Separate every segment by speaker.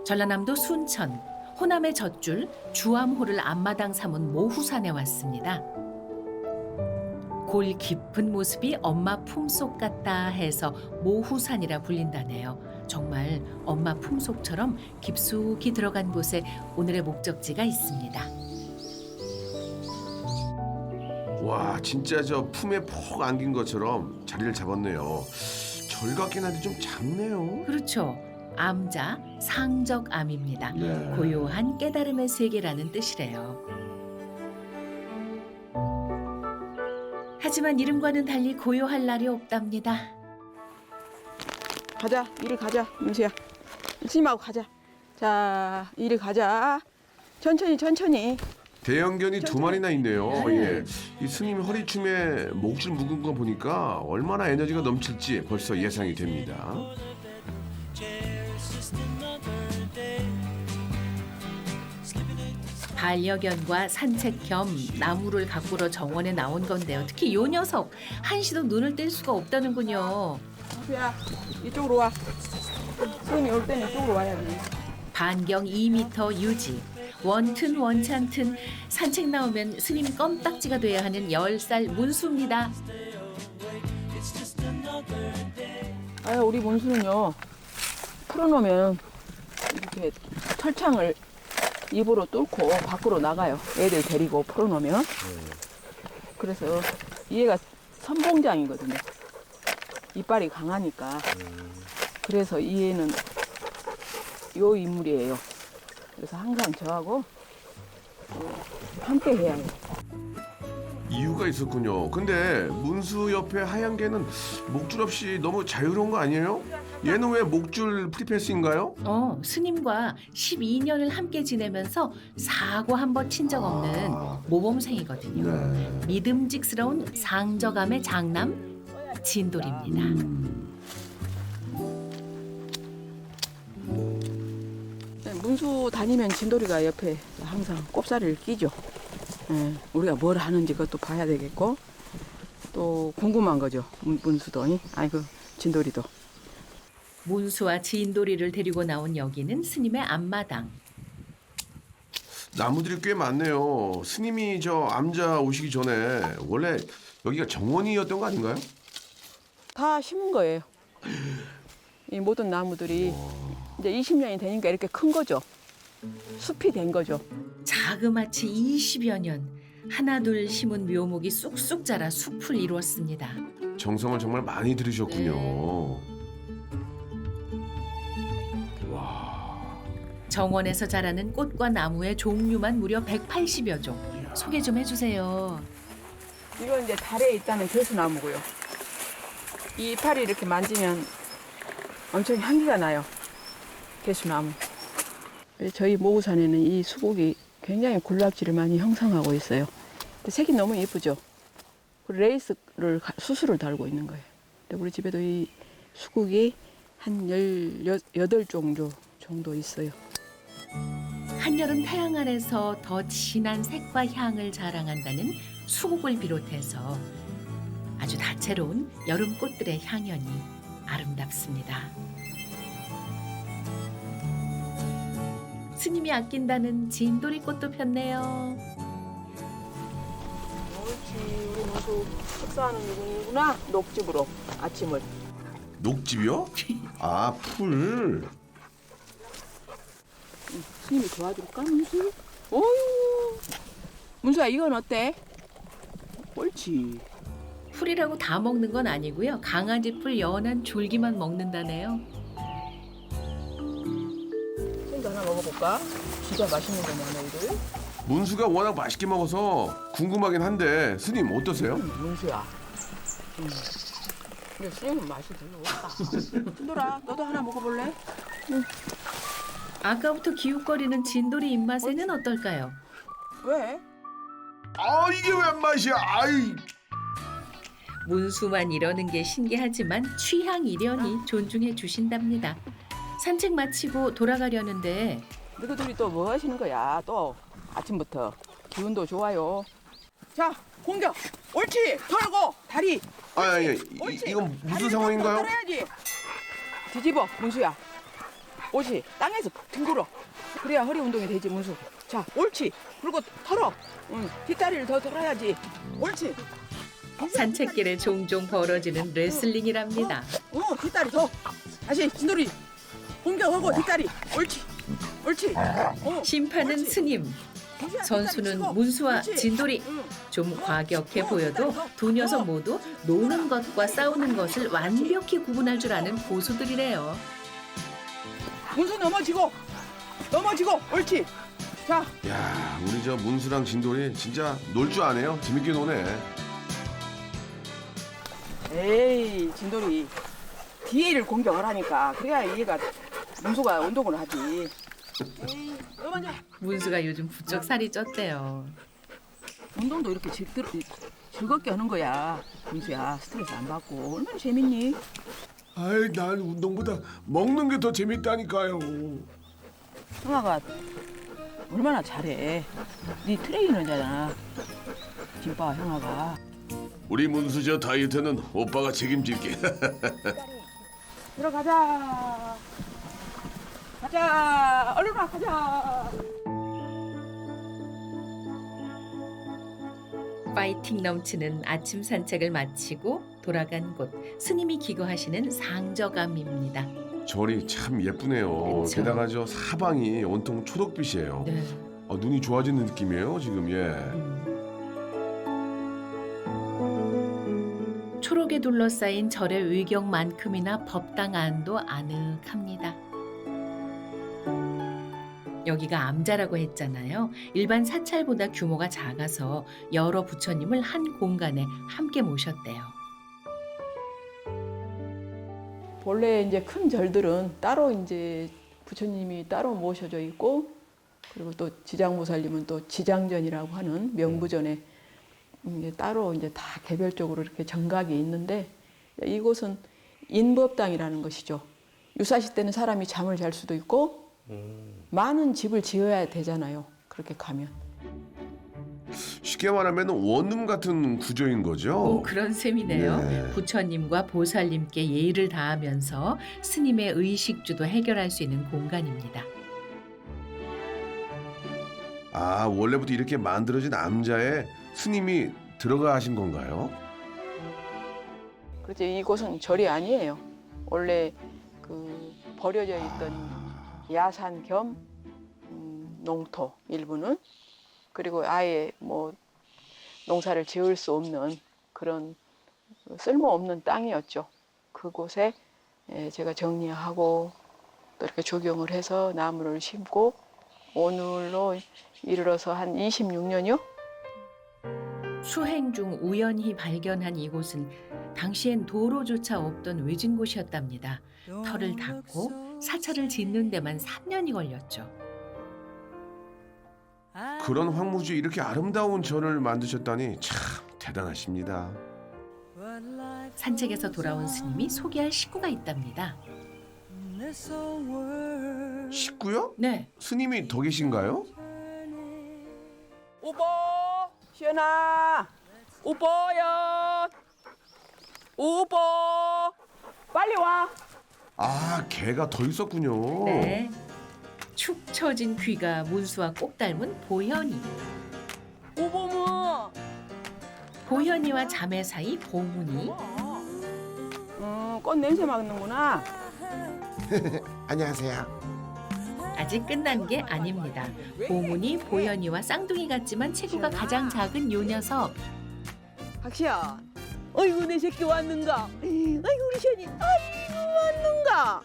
Speaker 1: 전라남도 순천, 호남의 젖줄 주암호를 앞마당 삼은 모후산에 왔습니다. 골 깊은 모습이 엄마 품속 같다 해서 모후산이라 불린다네요. 정말 엄마 품속처럼 깊숙이 들어간 곳에 오늘의 목적지가 있습니다.
Speaker 2: 와, 진짜 저 품에 푹 안긴 것처럼 자리를 잡았네요. 절 같긴 한데 좀 작네요.
Speaker 1: 그렇죠. 암자, 상적암입니다.
Speaker 2: 네.
Speaker 1: 고요한 깨달음의 세계라는 뜻이래요. 하지만 이름과는 달리 고요할 날이 없답니다.
Speaker 3: 가자, 이리 가자, 민수야. 스님하고 가자. 자, 이리 가자. 천천히, 천천히.
Speaker 2: 대형견이 두 마리나 있네요.
Speaker 3: 네.
Speaker 2: 예. 이 스님 허리춤에 목줄 묶은 거 보니까 얼마나 에너지가 넘칠지 벌써 예상이 됩니다.
Speaker 1: 반려견과 산책 겸 나무를 가꾸러 정원에 나온 건데요. 특히 요 녀석 한시도 눈을 뗄 수가 없다는군요.
Speaker 3: 민수야, 이쪽으로 와. 스님이 올 때는 이쪽으로 와야지.
Speaker 1: 반경 2m 유지. 원튼 원찬튼 산책 나오면 스님 껌딱지가 돼야 하는 10살 문수입니다.
Speaker 3: 아, 우리 문수는요. 풀어놓으면 이렇게 철창을 입으로 뚫고 밖으로 나가요. 애들 데리고 풀어놓으면. 그래서 얘가 선봉장이거든요. 이빨이 강하니까. 그래서 이 애는 요 인물이에요. 그래서 항상 저하고 함께 해야 해요.
Speaker 2: 이유가 있었군요. 근데 문수 옆에 하얀 개는 목줄 없이 너무 자유로운 거 아니에요? 얘는 왜 목줄 프리패스인가요?
Speaker 1: 스님과 12년을 함께 지내면서 사고 한 번 친 적 없는 모범생이거든요.
Speaker 2: 네.
Speaker 1: 믿음직스러운 상저감의 장남 진돌입니다.
Speaker 3: 네, 문수 다니면 진돌이가 옆에 항상 꼽사리를 끼죠. 예, 우리가 뭘 하는지 그것도 봐야 되겠고 또 궁금한 거죠. 문수도 아이고 진돌이도.
Speaker 1: 문수와 진돌이를 데리고 나온 여기는 스님의 앞마당.
Speaker 2: 나무들이 꽤 많네요. 스님이 저 암자 오시기 전에 원래 여기가 정원이었던 거 아닌가요?
Speaker 3: 다 심은 거예요. 이 모든 나무들이 이제 20년이 되니까 이렇게 큰 거죠. 숲이 된 거죠.
Speaker 1: 자그마치 20여 년 하나둘 심은 묘목이 쑥쑥 자라 숲을 이루었습니다.
Speaker 2: 정성을 정말 많이 들으셨군요.
Speaker 1: 정원에서 자라는 꽃과 나무의 종류만 무려 180여 종. 소개 좀 해주세요.
Speaker 3: 이건 이제 달에 있다는 개수나무고요. 이 이파리 이렇게 만지면 엄청 향기가 나요. 개수나무. 저희 모우산에는 이 수국이 굉장히 군락지를 많이 형성하고 있어요. 근데 색이 너무 예쁘죠. 그리고 레이스를 수수를 달고 있는 거예요. 근데 우리 집에도 이 수국이 한 18종 정도 있어요.
Speaker 1: 한여름 태양 아래서 더 진한 색과 향을 자랑한다는 수국을 비롯해서 아주 다채로운 여름 꽃들의 향연이 아름답습니다. 스님이 아낀다는 진돌이 꽃도 폈네요.
Speaker 3: 옳지, 우리 모두 식사하는 누구구나. 녹즙으로 아침을.
Speaker 2: 녹즙이요? 아, 풀.
Speaker 3: 스님이 도와줄까, 문수? 어휴. 문수야, 이건 어때? 옳지.
Speaker 1: 풀이라고 다 먹는 건 아니고요. 강아지 풀 연한 줄기만 먹는다네요.
Speaker 3: 스님도 하나 먹어볼까? 진짜 맛있는 거냐, 너희들?
Speaker 2: 문수가 워낙 맛있게 먹어서 궁금하긴 한데 스님 어떠세요?
Speaker 3: 문수야. 근데 스님은 맛이 별로 없다. 순돌아, 너도 하나 먹어볼래?
Speaker 1: 아까부터 기웃거리는 진돌이 입맛에는 어떨까요?
Speaker 3: 왜?
Speaker 2: 아, 이게 웬 맛이야? 아이.
Speaker 1: 문수만 이러는 게 신기하지만 취향 이련이 존중해 주신답니다. 산책 마치고 돌아가려는데
Speaker 3: 너희들이 또 뭐 하시는 거야? 또 아침부터 기운도 좋아요. 자, 공격. 옳지. 더하고 다리.
Speaker 2: 아니,
Speaker 3: 옳지.
Speaker 2: 이건 무슨
Speaker 3: 다리를
Speaker 2: 상황인가요?
Speaker 3: 좀 더 떨어야지. 뒤집어, 문수야. 옳지. 땅에서 푹 뒹굴어. 그래야 허리 운동이 되지, 문수. 자, 옳지. 그리고 털어. 응, 뒷다리를 더 털어야지. 옳지.
Speaker 1: 산책길에 종종 벌어지는 레슬링이랍니다.
Speaker 3: 뒷다리 더. 다시, 진돌이. 공격하고 뒷다리. 옳지. 옳지.
Speaker 1: 심판은
Speaker 3: 옳지.
Speaker 1: 스님, 선수는 문수와 진돌이. 좀 과격해 보여도 두 녀석 모두 노는 것과 싸우는 것을 완벽히 구분할 줄 아는 고수들이래요.
Speaker 3: 문수 넘어지고. 옳지. 자,
Speaker 2: 야, 우리 저 문수랑 진돌이 진짜 놀 줄 아네요. 재밌게 노네.
Speaker 3: 에이, 진돌이. 뒤에를 공격을 하니까. 그래야 얘가, 문수가 운동을 하지. 에이, 너 먼저.
Speaker 1: 문수가 요즘 부쩍 살이 쪘대요.
Speaker 3: 운동도 이렇게 즐겁게 하는 거야. 문수야, 스트레스 안 받고. 얼마나 재밌니?
Speaker 2: 아이, 난 운동보다 먹는 게 더 재밌다니까요.
Speaker 3: 형아가 얼마나 잘해. 네 트레이너잖아. 김빠와 형아가.
Speaker 2: 우리 문수 저 다이어트는 오빠가 책임질게.
Speaker 3: 들어가자. 가자. 얼른 와, 가자.
Speaker 1: 파이팅 넘치는 아침 산책을 마치고 돌아간 곳, 스님이 기거하시는 상저감입니다.
Speaker 2: 절이 참 예쁘네요.
Speaker 1: 그쵸.
Speaker 2: 게다가 저 사방이 온통 초록빛이에요.
Speaker 1: 네.
Speaker 2: 눈이 좋아지는 느낌이에요, 지금. 예.
Speaker 1: 초록에 둘러싸인 절의 의경만큼이나 법당 안도 아늑합니다. 여기가 암자라고 했잖아요. 일반 사찰보다 규모가 작아서 여러 부처님을 한 공간에 함께 모셨대요.
Speaker 3: 본래 이제 큰 절들은 따로 이제 부처님이 따로 모셔져 있고, 그리고 또 지장보살님은 또 지장전이라고 하는 명부전에 이제 따로 이제 다 개별적으로 이렇게 정각이 있는데, 이곳은 인법당이라는 것이죠. 유사시 때는 사람이 잠을 잘 수도 있고 많은 집을 지어야 되잖아요. 그렇게 가면.
Speaker 2: 쉽게 말하면 원룸 같은 구조인 거죠.
Speaker 1: 그런 셈이네요.
Speaker 2: 네.
Speaker 1: 부처님과 보살님께 예의를 다하면서 스님의 의식주도 해결할 수 있는 공간입니다.
Speaker 2: 아, 원래부터 이렇게 만들어진 암자에 스님이 들어가 하신 건가요?
Speaker 3: 그렇죠. 이곳은 절이 아니에요. 원래 그 버려져 있던 야산 겸 농토 일부는, 그리고 아예 뭐 농사를 지을 수 없는 그런 쓸모없는 땅이었죠. 그곳에 제가 정리하고 또 이렇게 조경을 해서 나무를 심고 오늘로 이르러서 한 26년이요?
Speaker 1: 수행 중 우연히 발견한 이곳은 당시엔 도로조차 없던 외진 곳이었답니다. 터를 닦고 사찰을 짓는 데만 3년이 걸렸죠.
Speaker 2: 그런 황무지에 이렇게 아름다운 절을 만드셨다니 참 대단하십니다.
Speaker 1: 산책에서 돌아온 스님이 소개할 식구가 있답니다.
Speaker 2: 식구요?
Speaker 1: 네,
Speaker 2: 스님이 더 계신가요?
Speaker 3: 우보! 시연아! 우보야! 우보! 빨리 와!
Speaker 2: 아, 개가 더 있었군요.
Speaker 1: 네. 축 처진 귀가 문수와 꼭 닮은 보현이.
Speaker 3: 우보무!
Speaker 1: 보현이와 자매 사이 보문이.
Speaker 3: 꽃 냄새 맡는구나.
Speaker 2: 안녕하세요.
Speaker 1: 아직 끝난 게 아닙니다. 보문이 보현이와 쌍둥이 같지만 체구가 가장 작은 요 녀석.
Speaker 3: 박시연. 어이구 내 새끼 왔는가? 아이고 우리 시연이. 아이고 왔는가?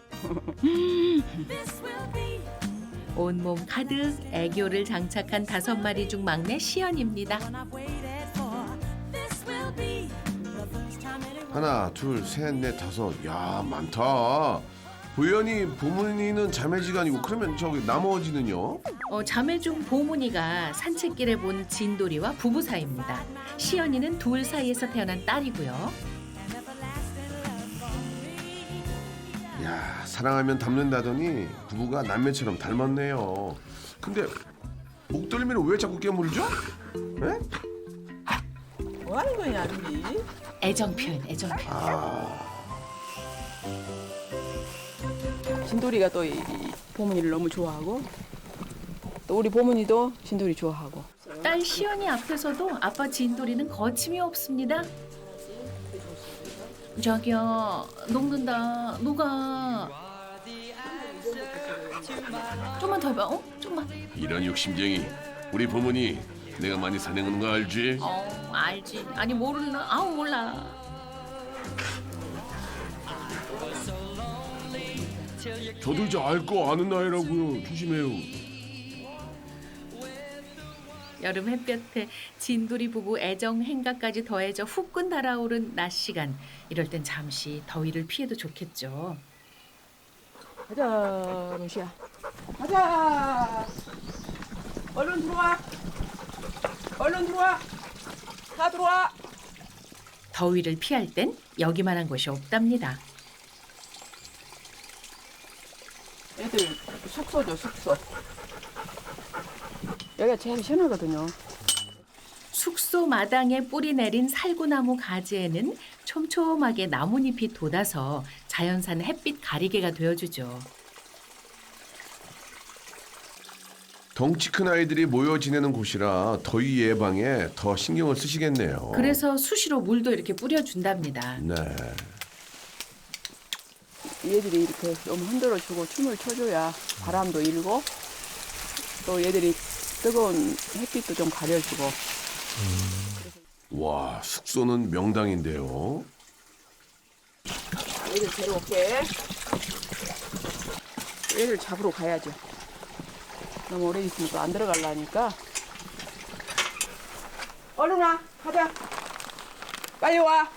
Speaker 1: 온몸 가득 애교를 장착한 5마리 중 막내 시연입니다.
Speaker 2: 하나, 둘, 셋, 넷, 다섯. 야, 많다. 보현이, 보문이는 자매지간이고 그러면 저기 나머지는요?
Speaker 1: 자매 중 보문이가 산책길에 본 진돌이와 부부 사이입니다. 시연이는 둘 사이에서 태어난 딸이고요.
Speaker 2: 야, 사랑하면 닮는다더니 부부가 남매처럼 닮았네요. 근데 목덜미를 왜 자꾸 깨물죠? 네?
Speaker 3: 뭐 하는 거냐, 아들이?
Speaker 1: 애정 표현, 애정 표현.
Speaker 3: 진돌이가 또 보문이를 너무 좋아하고 또 우리 보문이도 진돌이 좋아하고.
Speaker 1: 딸 시연이 앞에서도 아빠 진돌이는 거침이 없습니다. 자기야, 녹는다. 녹아. 좀만 더 해봐. 좀만.
Speaker 2: 이런 욕심쟁이. 우리 부모니 내가 많이 사냥하는 거 알지?
Speaker 1: 알지. 아니 모르나? 아우 몰라.
Speaker 2: 저도 이제 알 거 아는 나이라고요. 조심해요.
Speaker 1: 여름 햇볕에 진돌이 부부 애정 행가까지 더해져 후끈 달아오른 낮 시간. 이럴 땐 잠시 더위를 피해도 좋겠죠.
Speaker 3: 가자, 루시야. 가자. 얼른 들어와. 얼른 들어와. 다 들어와.
Speaker 1: 더위를 피할 땐 여기만한 곳이 없답니다.
Speaker 3: 애들 숙소죠, 숙소. 여기가 제일 시원하거든요.
Speaker 1: 숙소 마당에 뿌리 내린 살구나무 가지에는 촘촘하게 나뭇잎이 돋아서 자연산 햇빛 가리개가 되어주죠.
Speaker 2: 덩치 큰 아이들이 모여 지내는 곳이라 더위 예방에 더 신경을 쓰시겠네요.
Speaker 1: 그래서 수시로 물도 이렇게 뿌려준답니다.
Speaker 2: 네.
Speaker 3: 얘들이 이렇게 너무 흔들어주고 춤을 춰줘야 바람도 일고 또 얘들이 뜨거운 햇빛도 좀 가려주고.
Speaker 2: 와, 숙소는 명당인데요.
Speaker 3: 얘들 데려올게. 얘들 잡으러 가야죠. 너무 오래 있으면 또 안 들어가려니까. 얼른 와, 가자. 빨리 와.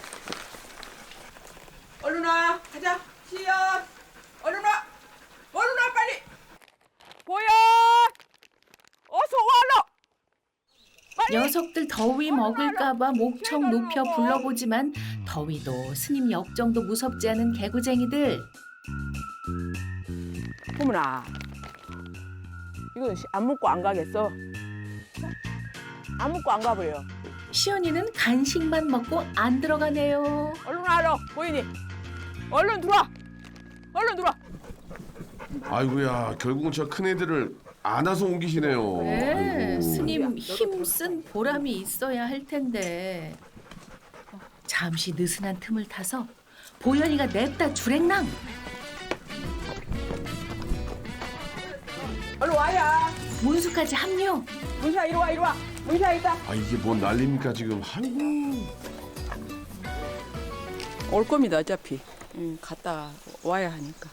Speaker 3: 얼른 와, 가자. 시연. 얼른 와. 얼른 와, 빨리. 보여. 어서 와, 얼른.
Speaker 1: 녀석들 더위 먹을까봐 목청 높여 불러보지만 더위도 스님 역정도 무섭지 않은 개구쟁이들.
Speaker 3: 호문아, 이거 안 먹고 안 가겠어? 안 먹고 안 가버려.
Speaker 1: 시연이는 간식만 먹고 안 들어가네요.
Speaker 3: 얼른 와, 너 보이니? 얼른 들어와. 얼른 들어와.
Speaker 2: 아이고야, 결국은 저 큰 애들을 안아서 옮기시네요.
Speaker 1: 네,
Speaker 2: 아이고.
Speaker 1: 스님 힘 쓴 보람이 있어야 할 텐데. 잠시 느슨한 틈을 타서 보현이가 냅다 주랭랑.
Speaker 3: 얼른 와야.
Speaker 1: 문수까지 합류.
Speaker 3: 문샤 이리 와, 이리 와. 문샤 있다.
Speaker 2: 아, 이게 뭔 난립니까 지금? 아이고.
Speaker 3: 올 겁니다, 어차피. 갔다 와야 하니까.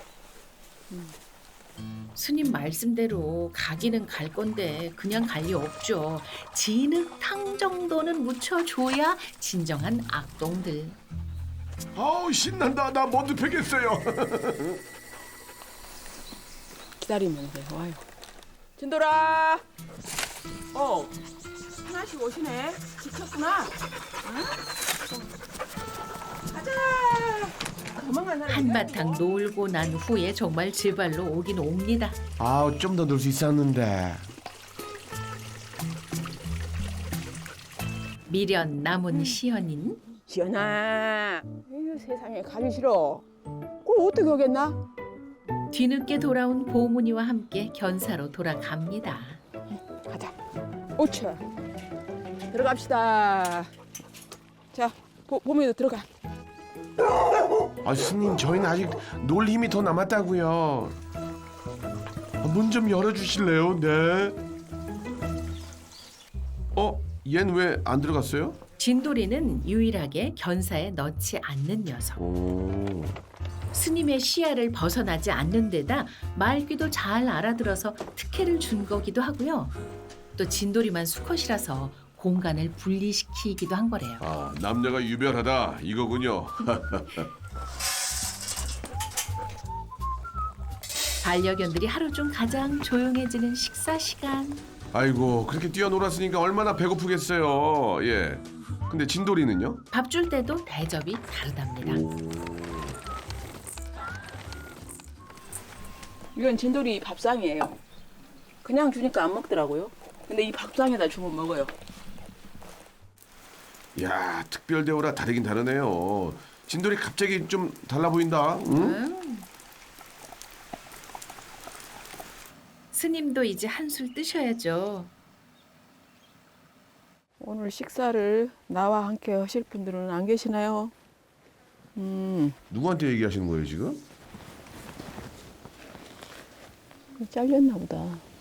Speaker 1: 스님 말씀대로 가기는 갈 건데 그냥 갈 리 없죠. 진흙탕 정도는 묻혀줘야 진정한 악동들.
Speaker 2: 아우 신난다. 나 먼저 패겠어요.
Speaker 3: 기다리면 돼, 와요. 진돌아. 하나씩 오시네. 지켰구나. 응? 가자. 도망간 사람
Speaker 1: 한바탕 놀고 난 후에 정말 제 발로 오긴 옵니다.
Speaker 2: 아우 좀 더 놀 수 있었는데.
Speaker 1: 미련 남은 시연인
Speaker 3: 지연아. 에휴, 세상에 가기 싫어. 그걸 어떻게 하겠나?
Speaker 1: 뒤늦게 돌아온 보문이와 함께 견사로 돌아갑니다.
Speaker 3: 가자. 오차. 들어갑시다. 자, 보미도 들어가.
Speaker 2: 아 스님 저희는 아직 놀 힘이 더 남았다고요. 문 좀 열어주실래요? 네. 얜 왜 안 들어갔어요?
Speaker 1: 진돌이는 유일하게 견사에 넣지 않는 녀석.
Speaker 2: 오.
Speaker 1: 스님의 시야를 벗어나지 않는 데다 말귀도 잘 알아들어서 특혜를 준 거기도 하고요. 또 진돌이만 수컷이라서 공간을 분리시키기도 한 거래요.
Speaker 2: 아 남녀가 유별하다 이거군요.
Speaker 1: 반려견들이 하루 중 가장 조용해지는 식사 시간.
Speaker 2: 아이고 그렇게 뛰어놀았으니까 얼마나 배고프겠어요. 예. 근데 진돌이는요?
Speaker 1: 밥 줄 때도 대접이 다르답니다.
Speaker 3: 이건 진돌이 밥상이에요. 그냥 주니까 안 먹더라고요. 근데 이 밥상에다 주면 먹어요.
Speaker 2: 야 특별 대우라 다르긴 다르네요. 진돌이 갑자기 좀 달라 보인다. 응?
Speaker 1: 스님도 이제 한술 뜨셔야죠.
Speaker 3: 오늘 식사를 나와 함께 하실 분들은 안 계시나요?
Speaker 2: 누구한테 얘기하시는 거예요 지금?
Speaker 3: 잘렸나 보다.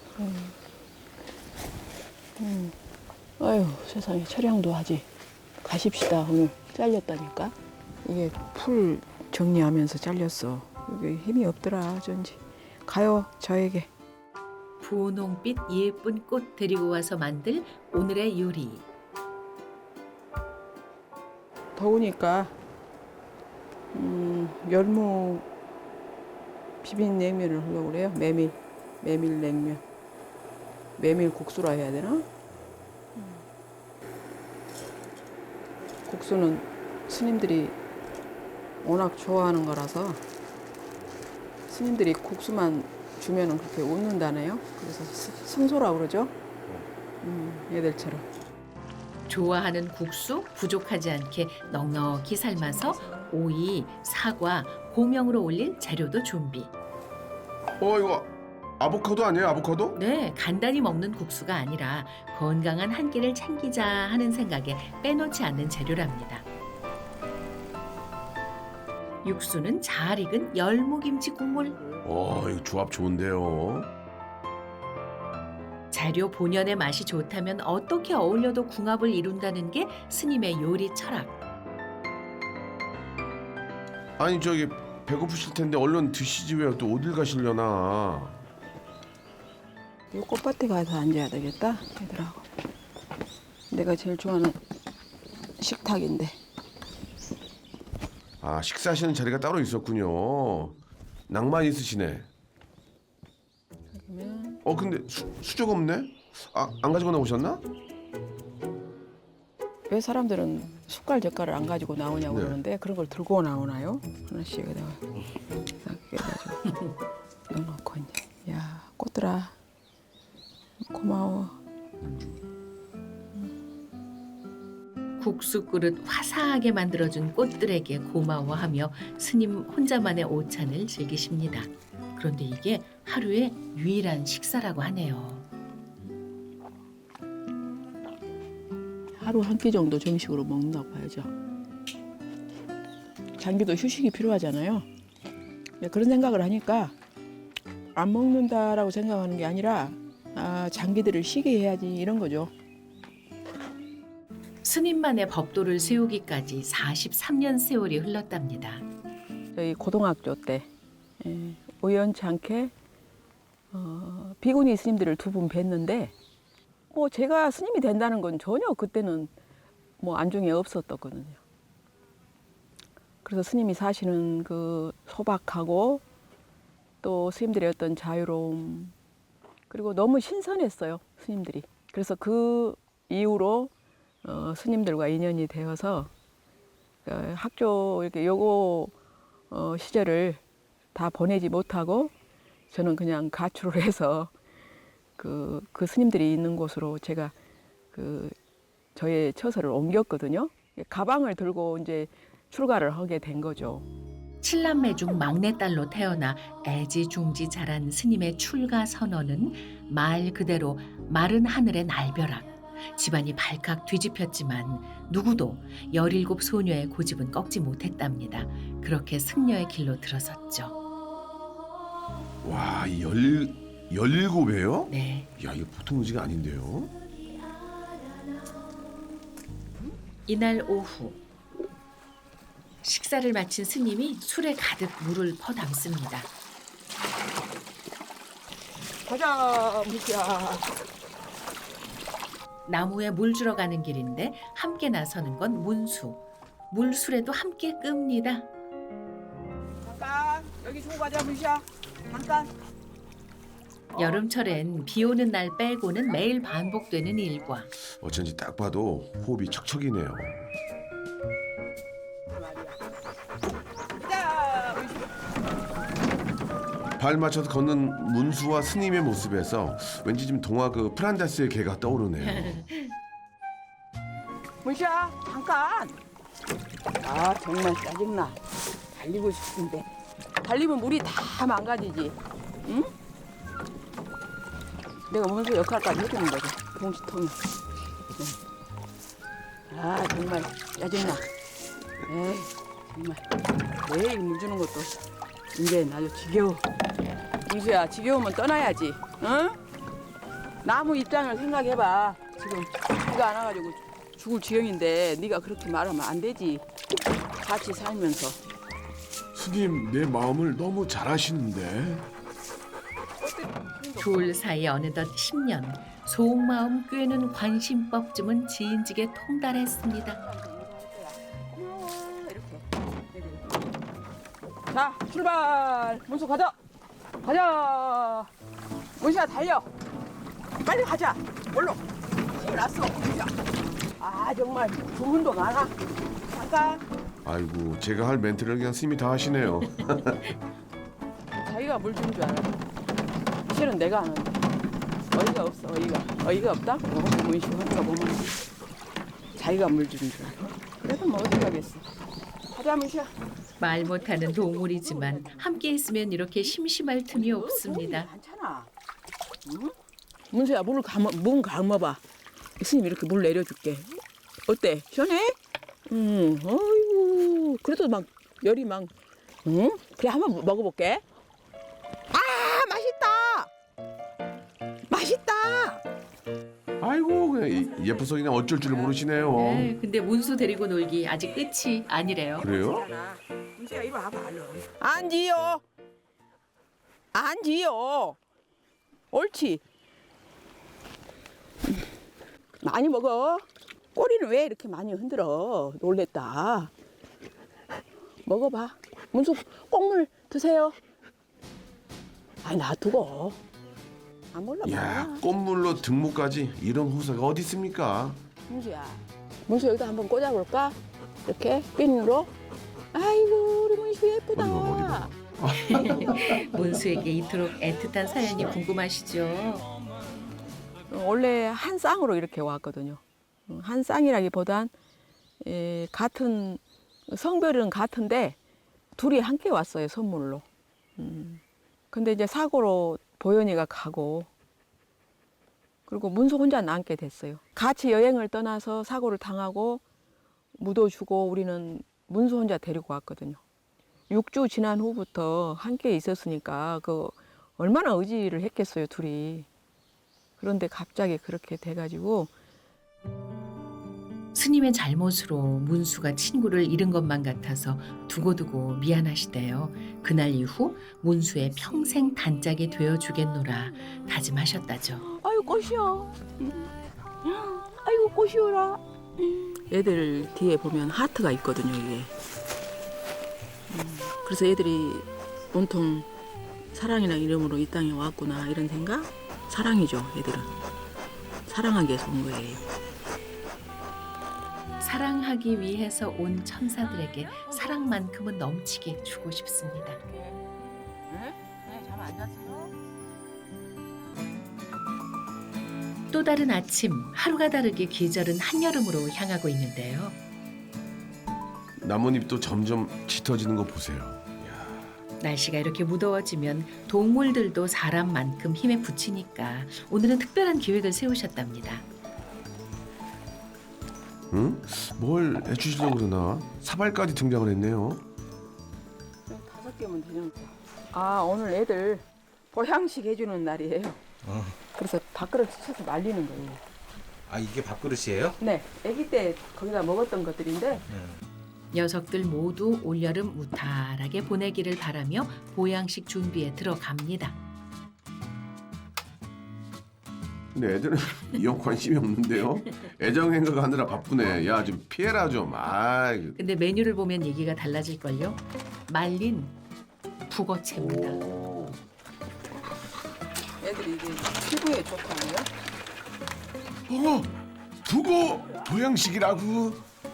Speaker 3: 아유 세상에 촬영도 하지. 가십시다 오늘. 잘렸다니까. 이게 풀 정리하면서 잘렸어. 이게 힘이 없더라 어쩐지. 가요 저에게.
Speaker 1: 분홍빛 예쁜 꽃 데리고 와서 만들 오늘의 요리.
Speaker 3: 더우니까 열무 비빔냉면을 하려고 그래요. 메밀냉면. 메밀 국수라 해야 되나? 국수는 스님들이 워낙 좋아하는 거라서 스님들이 국수만 주면은 그렇게 웃는다네요. 그래서 성소라고 그러죠. 얘들처럼.
Speaker 1: 좋아하는 국수 부족하지 않게 넉넉히 삶아서 오이, 사과, 고명으로 올릴 재료도 준비.
Speaker 2: 이거 아보카도 아니에요? 아보카도?
Speaker 1: 네, 간단히 먹는 국수가 아니라 건강한 한 끼를 챙기자 하는 생각에 빼놓지 않는 재료랍니다. 육수는 잘 익은 열무김치 국물.
Speaker 2: 이거 조합 좋은데요.
Speaker 1: 재료 본연의 맛이 좋다면 어떻게 어울려도 궁합을 이룬다는 게 스님의 요리 철학.
Speaker 2: 아니 저기 배고프실 텐데 얼른 드시지 왜 또 어딜 가시려나.
Speaker 3: 이 꽃밭에 가서 앉아야 되겠다 얘들하고. 내가 제일 좋아하는 식탁인데.
Speaker 2: 아 식사하시는 자리가 따로 있었군요. 낭만 있으시네.
Speaker 3: 그러면
Speaker 2: 근데 수저가 없네? 안 가지고 나오셨나?
Speaker 3: 왜 사람들은 숟갈 젓갈을 안 가지고 나오냐고
Speaker 2: 네.
Speaker 3: 그러는데 그런 걸 들고 나오나요? 하나씩 여기다가 딱 해가지고 넣어놓고 이제. 야 꽃들아 고마워.
Speaker 1: 국수 그릇 화사하게 만들어준 꽃들에게 고마워하며 스님 혼자만의 오찬을 즐기십니다. 그런데 이게 하루의 유일한 식사라고 하네요.
Speaker 3: 하루 한 끼 정도 정식으로 먹나 봐야죠. 장기도 휴식이 필요하잖아요. 그런 생각을 하니까 안 먹는다라고 생각하는 게 아니라 장기들을 쉬게 해야지 이런 거죠.
Speaker 1: 스님만의 법도를 세우기까지 43년 세월이 흘렀답니다.
Speaker 3: 저희 고등학교 때 우연치 않게 비구니 스님들을 두 분 뵀는데 뭐 제가 스님이 된다는 건 전혀 그때는 뭐 안중에 없었거든요. 그래서 스님이 사시는 그 소박하고 또 스님들의 어떤 자유로움 그리고 너무 신선했어요 스님들이. 그래서 그 이후로 스님들과 인연이 되어서 학교 이렇게 여고 시절을 다 보내지 못하고 저는 그냥 가출을 해서 그 스님들이 있는 곳으로 제가 저의 처소를 옮겼거든요. 가방을 들고 이제 출가를 하게 된 거죠.
Speaker 1: 칠남매 중 막내딸로 태어나 애지중지 자란 스님의 출가 선언은 말 그대로 마른 하늘의 날벼락. 집안이 발칵 뒤집혔지만 누구도 17 소녀의 고집은 꺾지 못했답니다. 그렇게 승려의 길로 들어섰죠.
Speaker 2: 와, 17이에요?
Speaker 1: 네.
Speaker 2: 야, 이거 보통 의지가 아닌데요.
Speaker 1: 이날 오후 식사를 마친 스님이 술에 가득 물을 퍼담습니다.
Speaker 3: 가자, 무시야.
Speaker 1: 나무에 물 주러 가는 길인데 함께 나서는 건 문수. 물술에도 함께 끕니다.
Speaker 3: 잠깐, 여기 주고 가자, 무시야. 잠깐.
Speaker 1: 여름철엔 비 오는 날 빼고는 매일 반복되는 일과.
Speaker 2: 어쩐지 딱 봐도 호흡이 척척이네요.
Speaker 3: 가자, 무시.
Speaker 2: 발 맞춰서 걷는 문수와 스님의 모습에서 왠지 좀 동화 그 프란다스의 개가 떠오르네요.
Speaker 3: 무시야, 잠깐. 아, 정말 짜증나. 달리고 싶은데. 달리면 물이 다 망가지지. 응? 내가 문수 역할까지 해주는 거죠. 봉지통에. 네. 아 정말 짜증나. 에이 정말 매일 물 주는 것도 이제 아주 지겨워. 문수야 지겨우면 떠나야지. 응? 나무 입장을 생각해봐. 지금 비가 안 와가지고 죽을 지경인데 네가 그렇게 말하면 안 되지. 같이 살면서.
Speaker 2: 스님, 내 마음을 너무 잘 아시는데.
Speaker 1: 둘 사이 어느덧 10년. 속마음 꿰는 관심법쯤은 지인직에 통달했습니다.
Speaker 3: 자 출발. 문수 가자. 가자. 문수야 달려. 빨리 가자. 얼른. 힘이 났어. 문수야. 아 정말 주문도 많아. 잠깐.
Speaker 2: 아이고, 제가 할 멘트를 그냥 스님이 다 하시네요.
Speaker 3: 자기가 물 주는 줄 알아. 실은 내가 하는데 어이가 없어. 어이가 없다고. 문수 하니까 보면 자기가 물 주는 줄 알아. 그래도 뭐 어떻게 하겠어. 가자 문수야.
Speaker 1: 말 못하는 동물이지만 함께 있으면 이렇게 심심할 틈이 없습니다.
Speaker 3: 많잖아. 응? 문수야 문 감아봐. 스님 이렇게 물 내려줄게. 어때? 시원해? 응. 어이구. 그래도 막 열이 막. 응? 그래 한번 먹어볼게. 아 맛있다. 맛있다.
Speaker 2: 아이고, 그냥 예뻐서 그냥 어쩔 줄 모르시네요.
Speaker 1: 네, 근데 문수 데리고 놀기 아직 끝이 아니래요.
Speaker 2: 그래요?
Speaker 3: 문수야 이리 와봐 얼른. 앉지요. 앉지요. 옳지. 많이 먹어. 꼬리는 왜 이렇게 많이 흔들어? 놀랬다. 먹어봐. 문수 꽁물 드세요. 아니 놔두고. 안 몰라.
Speaker 2: 야, 꽃물로 등목까지 이런 호사가 어디 있습니까?
Speaker 3: 문수야. 문수 여기다 한번 꽂아볼까? 이렇게 핀으로. 아이고 우리 문수 예쁘다.
Speaker 2: 어디 봐.
Speaker 1: 문수에게 이토록 애틋한 사연이 궁금하시죠?
Speaker 3: 원래 한 쌍으로 이렇게 왔거든요. 한 쌍이라기보단 같은 성별은 같은데 둘이 함께 왔어요 선물로. 근데 이제 사고로 보현이가 가고 그리고 문수 혼자 남게 됐어요. 같이 여행을 떠나서 사고를 당하고 묻어주고 우리는 문수 혼자 데리고 왔거든요. 6주 지난 후부터 함께 있었으니까 그 얼마나 의지를 했겠어요 둘이. 그런데 갑자기 그렇게 돼가지고
Speaker 1: 스님의 잘못으로 문수가 친구를 잃은 것만 같아서 두고두고 미안하시대요. 그날 이후 문수의 평생 단짝이 되어주겠노라 다짐하셨다죠.
Speaker 3: 아유 꽃이요. 아이고 꽃이오라. 애들 뒤에 보면 하트가 있거든요 이게. 그래서 애들이 온통 사랑이라는 이름으로 이 땅에 왔구나 이런 생각? 사랑이죠 애들은. 사랑하기 위해서 온 거예요.
Speaker 1: 사랑하기 위해서 온 천사들에게 사랑만큼은 넘치게 주고 싶습니다.
Speaker 3: 잠 안 잤어요?
Speaker 1: 또 다른 아침, 하루가 다르게 계절은 한여름으로 향하고 있는데요.
Speaker 2: 나뭇잎도 점점 짙어지는 거 보세요.
Speaker 1: 날씨가 이렇게 무더워지면 동물들도 사람만큼 힘에 부치니까 오늘은 특별한 계획을 세우셨답니다.
Speaker 2: 응? 뭘 해주시려고 그러나? 사발까지 등장을 했네요.
Speaker 3: 5개면 되는 거. 아 오늘 애들 보양식 해주는 날이에요. 그래서 밥그릇 쳐서 말리는 거예요.
Speaker 4: 아 이게 밥그릇이에요?
Speaker 3: 네, 아기 때 거기다 먹었던 것들인데
Speaker 1: 녀석들 모두 올여름 무탈하게 보내기를 바라며 보양식 준비에 들어갑니다.
Speaker 2: 근데 애들은 영 관심이 없는데요. 애정행각 하느라 바쁘네. 야, 좀 피해라 좀. 아,
Speaker 1: 근데 메뉴를 보면 얘기가 달라질걸요. 말린 북어채입니다.
Speaker 2: 오.
Speaker 3: 애들이 이게 피부에 좋다고요?
Speaker 2: 두고 보양식이라고.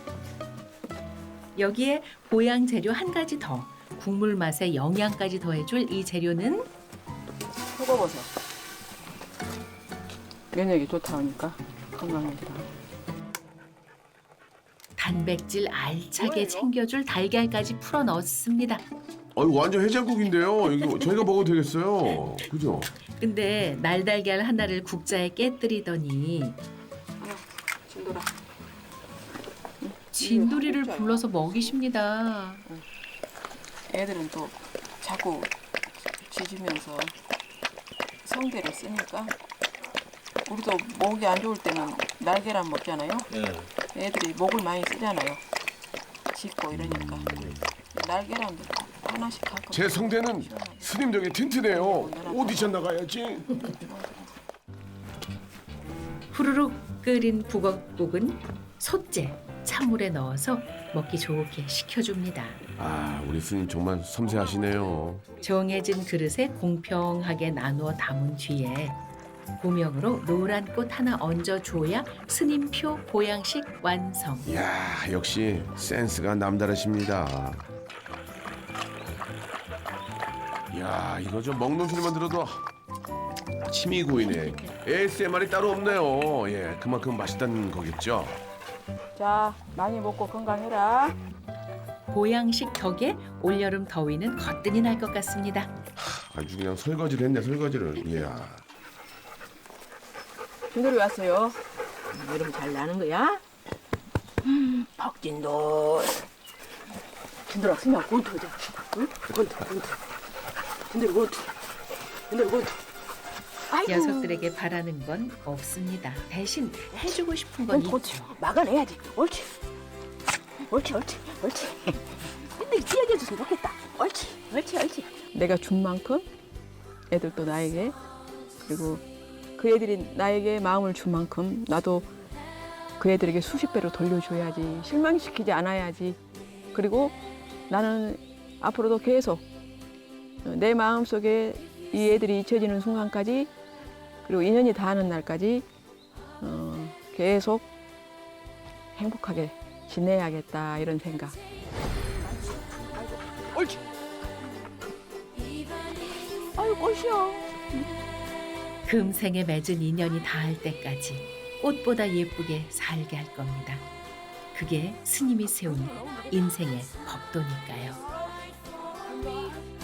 Speaker 1: 여기에 보양 재료 한 가지 더. 국물 맛에 영양까지 더해줄 이 재료는
Speaker 3: 표고버섯. 면역이 좋다 하니까 건강해지라.
Speaker 1: 단백질 알차게 챙겨줄 달걀까지 풀어 넣었습니다.
Speaker 2: 완전 해장국인데요. 이거 저희가 먹어도 되겠어요. 그죠?
Speaker 1: 근데 날달걀 하나를 국자에 깨뜨리더니
Speaker 3: 진돌아.
Speaker 1: 진돌이를 불러서 먹이십니다.
Speaker 3: 애들은 또 자꾸 짖으면서 성대를 쓰니까 우리도 목이 안 좋을 때는 날계란 먹잖아요.
Speaker 4: 예.
Speaker 3: 애들이 목을 많이 쓰잖아요. 짖고 이러니까 날계란도 하나씩 갖고.
Speaker 2: 제 성대는 스님 덕에 튼튼해요. 오디션 나가야지.
Speaker 1: 후루룩 끓인 북엇국은 솥재 찬물에 넣어서 먹기 좋게 식혀줍니다.
Speaker 2: 아, 우리 스님 정말 섬세하시네요.
Speaker 1: 정해진 그릇에 공평하게 나누어 담은 뒤에 고명으로 노란 꽃 하나 얹어줘야 스님표 보양식 완성.
Speaker 2: 이야, 역시 센스가 남다르십니다. 이야, 이거 좀 먹는 소리만 들어도 침이 고이네. ASMR이 따로 없네요. 예, 그만큼 맛있다는 거겠죠.
Speaker 3: 자, 많이 먹고 건강해라.
Speaker 1: 보양식 덕에 올여름 더위는 거뜬히 날 것 같습니다.
Speaker 2: 아주 그냥 설거지를 했네, 설거지를. 이야.
Speaker 3: 진돌이 왔어요.
Speaker 5: 이름 잘 나는 거야? 박진돌. 진돌아, 스냐 권투 하자. 응? 권투. 진돌이 권투. 진돌이 권투. 아이고.
Speaker 1: 녀석들에게 바라는 건 없습니다. 대신 해주고 싶은 건
Speaker 5: 권투.
Speaker 1: 있죠.
Speaker 5: 막아내야지. 옳지. 옳지. 근데 지어줘서 좋겠다. 옳지.
Speaker 3: 내가 준 만큼 애들도 나에게, 그리고 그 애들이 나에게 마음을 준 만큼 나도 그 애들에게 수십 배로 돌려줘야지. 실망시키지 않아야지. 그리고 나는 앞으로도 계속 내 마음속에 이 애들이 잊혀지는 순간까지, 그리고 인연이 닿는 날까지 계속 행복하게 지내야겠다, 이런 생각.
Speaker 5: 옳지. 아유, 꽃이야.
Speaker 1: 금생에 맺은 인연이 닿을 때까지 꽃보다 예쁘게 살게 할 겁니다. 그게 스님이 세운 인생의 법도니까요.